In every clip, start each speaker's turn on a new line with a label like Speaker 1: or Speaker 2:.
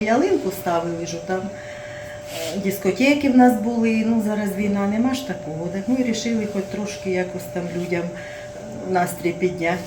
Speaker 1: Ялинку ставили, що там дискотеки в нас були, зараз війна, нема ж такого. Так ми вирішили хоч трошки якось там людям настрій підняти.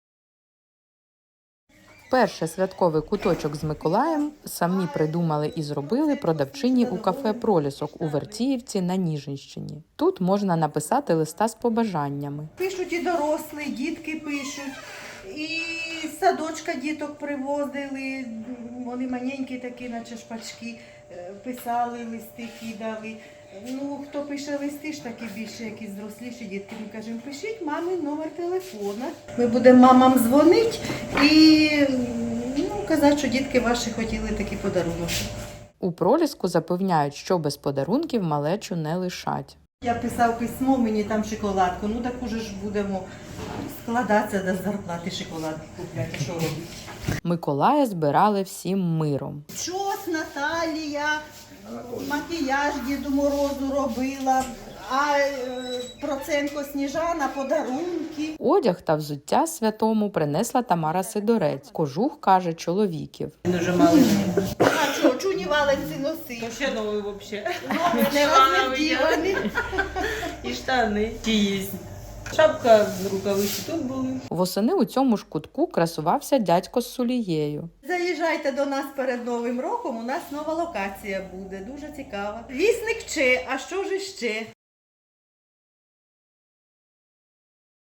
Speaker 2: Перший святковий куточок з Миколаєм самі придумали і зробили продавчині у кафе «Пролісок» у Вертіївці на Ніжинщині. Тут можна написати листа з побажаннями.
Speaker 1: Пишуть і дорослі, дітки пишуть, і з садочка діток привозили, вони маленькі такі, наче шпачки, писали листи, кидали. Хто пише листи ж такі більше, якісь зросліші дітки, ми кажемо, пишіть мамі номер телефона. Ми будемо мамам дзвонити і казати, що дітки ваші хотіли такі подарунки.
Speaker 2: У «Проліску» запевняють, що без подарунків малечу не лишать.
Speaker 1: Я писав письмо, мені там шоколадку, так уже ж будемо складатися до зарплати шоколадку купляти, що робити.
Speaker 2: Миколая збирали всім миром.
Speaker 1: Чос Наталія, макіяж Діду Морозу робила, а Проценко Сніжана подарунки.
Speaker 2: Одяг та взуття святому принесла Тамара Сидорець. Кожух, каже, чоловіків.
Speaker 3: Дуже малий.
Speaker 1: А що, чуні валенці носи?
Speaker 3: Ще новий взагалі.
Speaker 1: Не розвідівані.
Speaker 3: І штани. Ті є. Шапка, рукавиці тут були.
Speaker 2: Восени у цьому ж кутку красувався дядько з сулією.
Speaker 1: Заїжджайте до нас перед Новим роком, у нас нова локація буде, дуже цікава. Вісник Че, а що ж іще?